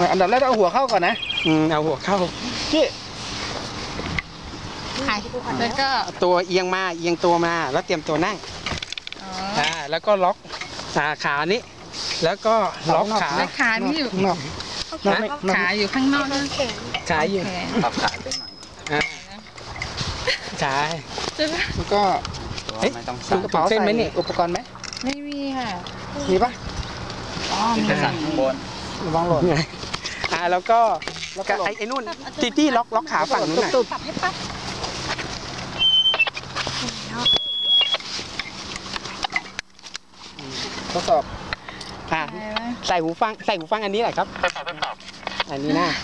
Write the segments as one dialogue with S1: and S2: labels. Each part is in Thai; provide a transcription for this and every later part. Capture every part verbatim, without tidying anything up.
S1: อันดับแรกต้องเอาหัวเข้าก่อนนะ
S2: อืมเอาหัวเข้า
S1: พี่
S2: แล้วก็ตัวเอียงมาเอียงตัวมาแล้วเตรียมตัวนั่งอ่าแล้วก็ล็อกขาขานี้แล้วก็ล็อกขา
S3: ขานี่อยู่
S1: นอก
S3: ขาอยู่ข้างนอกนะ
S2: ขาอยู่
S4: ปรับขาเส้นหน่อย
S2: อ่าใช่
S1: แล้วก็
S4: ไม่ต้อง
S1: สั่งกระเป๋าเส้นไหมนี่อุปกรณ์ไหม
S3: ไม่มีค่ะ
S1: มีปะ
S3: อ๋อมี
S4: สั่งข้างบน
S1: ระวังหล่น
S2: ไงอ่าแล้วก็ไอ้ไอ้นู่นตีตี้ล็อกล็อกขาฝั่งนู้นหน่อย
S1: ทดสอบ
S2: อ่าใส่หูฟังใส่หูฟังอันนี้แหละครับอันนี้นะ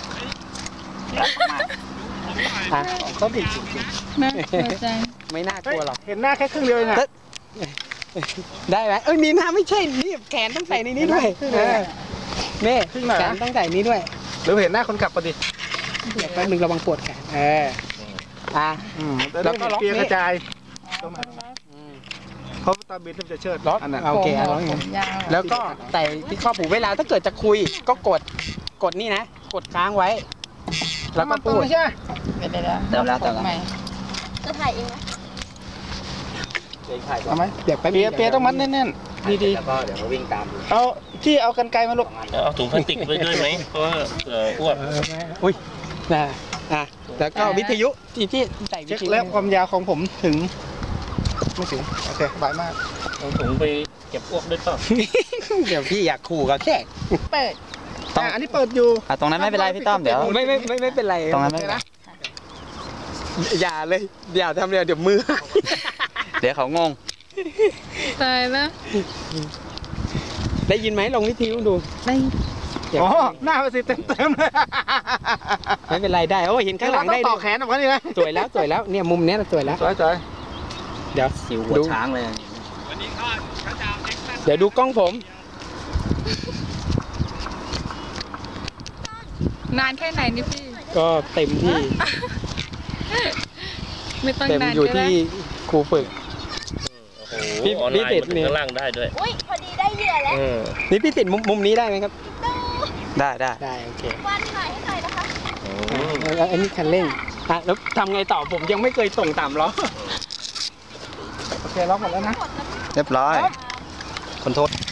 S2: อ่ะ
S1: เขาผิด
S2: ไม่น่ากลัวหรอก
S1: เห็นหน้าแค่ครึ่งเดียวเองอะ
S2: ได้ไหมเอ้ยมีหน้าไม่ใช่นี่แขนต้องใส่ในนี้ด้วยนี่แขนต้องใส่นี้ด้วย
S1: หรือเห็นหน้าคนขับพอดี
S2: เดี๋ยวแป๊บนึงระวังปวดแขนเอออ่ะ
S1: แล้วก็ล็อกเปียกระจายเพราะตาบินจะเชิด
S2: ล็อกโอเคล็อกแล้วก็ใส่ที่ข้อผูเวลาถ้าเกิดจะคุยก็กดกดนี่นะกดค้างไว้แล้วก็พูด
S1: ใช่
S3: เดี๋ยวเดี๋ยว
S4: แล้วแต่ละ
S5: จะถ่ายเองไหม
S1: เอาไหมเดี๋ยวไปเปียเปียต้องมัดแน่นๆดี
S4: ๆแล้วก็เดี๋ยวเขาวิ่งตาม
S1: เอาที่เอากันไกลมาลูก
S6: เอาถุงพลาสติกไว้ด้วยไหมเพราะว่าเผื่ออ้วน
S2: อุ้ยนะอ่ะแล้วก็วิทยุที่ที่ใส่
S1: เช็คแล้วความยาวของผมถึงไม่ถึงโอเคบายมาก
S6: เอาถุงไปเก็บอ้วกด้วยเปล่า
S2: เดี๋ยวพี่อยากขู่กับแขก
S3: เปิด
S1: อันนี้เปิดอยู่
S4: ตรงนั้นไม่เป็นไรพี่ต้อมเดี๋ยว
S2: ไม่ไม่ไม่ไม่เป็นไร
S4: ตรงนั้นไม่เป็นไร
S2: อย่าเลยอย่าทำเลยเดี๋ยวมือ
S4: เดี๋ยวเขางง
S3: ตายแล้ว
S2: ได้ยินไหมลองวิทยุดู
S3: ได้
S1: อ๋อหน้าไปสิเต็มเต็มเลย
S2: ไม่เป็นไรได้โอ้เห็นข้างหลังได้
S1: ต่อแขนออกมาดินะ
S2: สวยแล้วสวยแล้วเนี่ยมุมเนี้ยสวยแล้ว
S1: สวยสวย
S2: เดี๋ยว
S4: สิวหัวช้างเลย
S2: เดี๋ยวดูกล้องผม
S3: นานแค่ไหนนี่พี่
S2: ก็เต็มที่
S3: ไม่ต้องนาน
S2: อยู่ที่ครูฝึก
S6: พี่พี่ติดนี่ข้างล่างได้ด้วย
S5: อุ้ยพอดีได้เหยื่อแล้ว
S2: นี่พี่ติดมุมมุมนี้ได้ไหมครับ
S4: ได้ได้
S2: ได้โอเค
S5: วันถ่ายให้หน่อยนะคะ
S2: อันนี้คันเร่งอ่ะแล้วทำไงต่อผมยังไม่เคยส่งตามล้อ
S1: โอเคล็อกหมดแล้วนะ
S4: เรียบร้อยขอโทษ